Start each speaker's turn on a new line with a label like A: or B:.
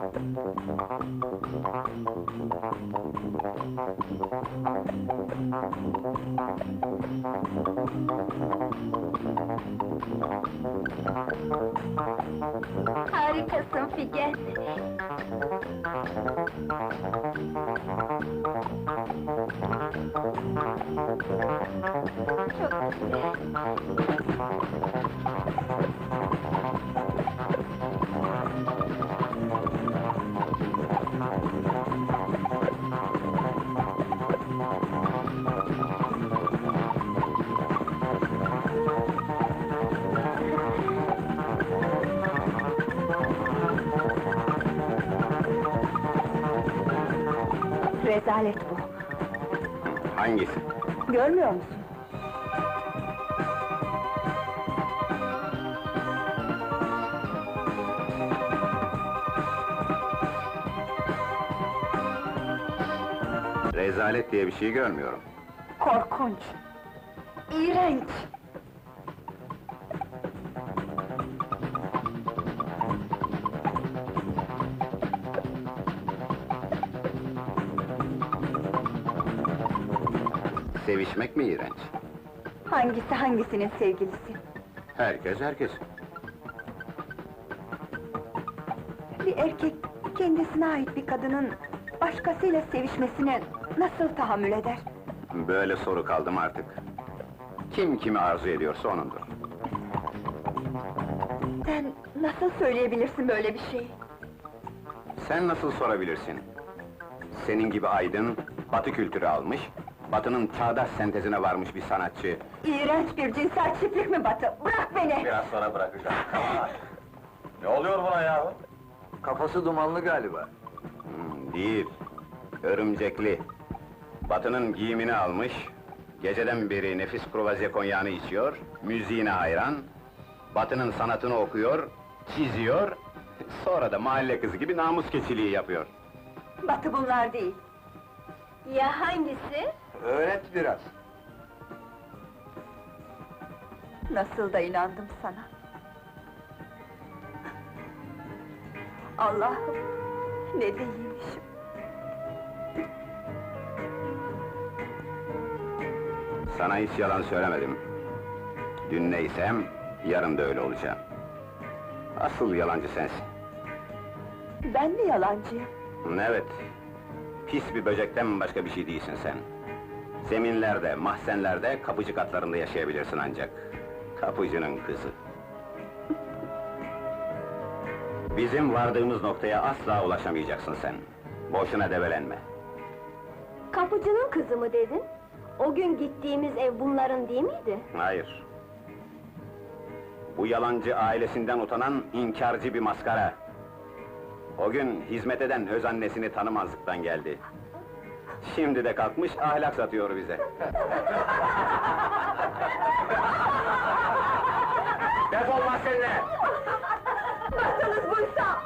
A: Harikasın Figen! Çok güzel! Rezalet bu!
B: Hangisi?
A: Görmüyor musun?
B: Rezalet diye bir şey görmüyorum.
A: Korkunç! İğrenç!
B: Sevişmek mi iğrenç?
A: Hangisi hangisinin sevgilisi?
B: Herkes herkes.
A: Bir erkek, kendisine ait bir kadının başkasıyla sevişmesine nasıl tahammül eder?
B: Böyle soru kaldım artık. Kim kimi arzu ediyorsa onundur.
A: Sen nasıl söyleyebilirsin böyle bir şeyi?
B: Sen nasıl sorabilirsin? Senin gibi aydın, Batı kültürü almış, Batı'nın çağdaş sentezine varmış bir sanatçı.
A: İğrenç bir cinsel çiftlik mi Batı? Bırak beni!
C: Biraz sonra bırakacağım. Ne oluyor buna ya? Kafası dumanlı galiba.
B: Değil, örümcekli. Batı'nın giyimini almış, geceden beri nefis kruvaze konyağını içiyor, müziğine hayran, Batı'nın sanatını okuyor, çiziyor, sonra da mahalle kızı gibi namus keçiliği yapıyor.
A: Batı bunlar değil! Ya hangisi?
C: Öğret biraz.
A: Nasıl da inandım sana! Allah'ım! Ne değilmişim!
B: Sana hiç yalan söylemedim. Dün neysem, yarın da öyle olacağım. Asıl yalancı sensin.
A: Ben mi yalancıyım?
B: Evet, pis bir böcekten başka bir şey değilsin sen. Zeminlerde, mahzenlerde, kapıcı katlarında yaşayabilirsin ancak. Kapıcının kızı. Bizim vardığımız noktaya asla ulaşamayacaksın sen. Boşuna develenme.
A: Kapıcının kızı mı dedin? O gün gittiğimiz ev bunların değil miydi?
B: Hayır. Bu yalancı ailesinden utanan inkarcı bir maskara. O gün hizmet eden öz annesini tanımazlıktan geldi. Şimdi de kalkmış ahlak satıyor bize.
C: Defol lan seninle!
A: Nasılsınız buysa?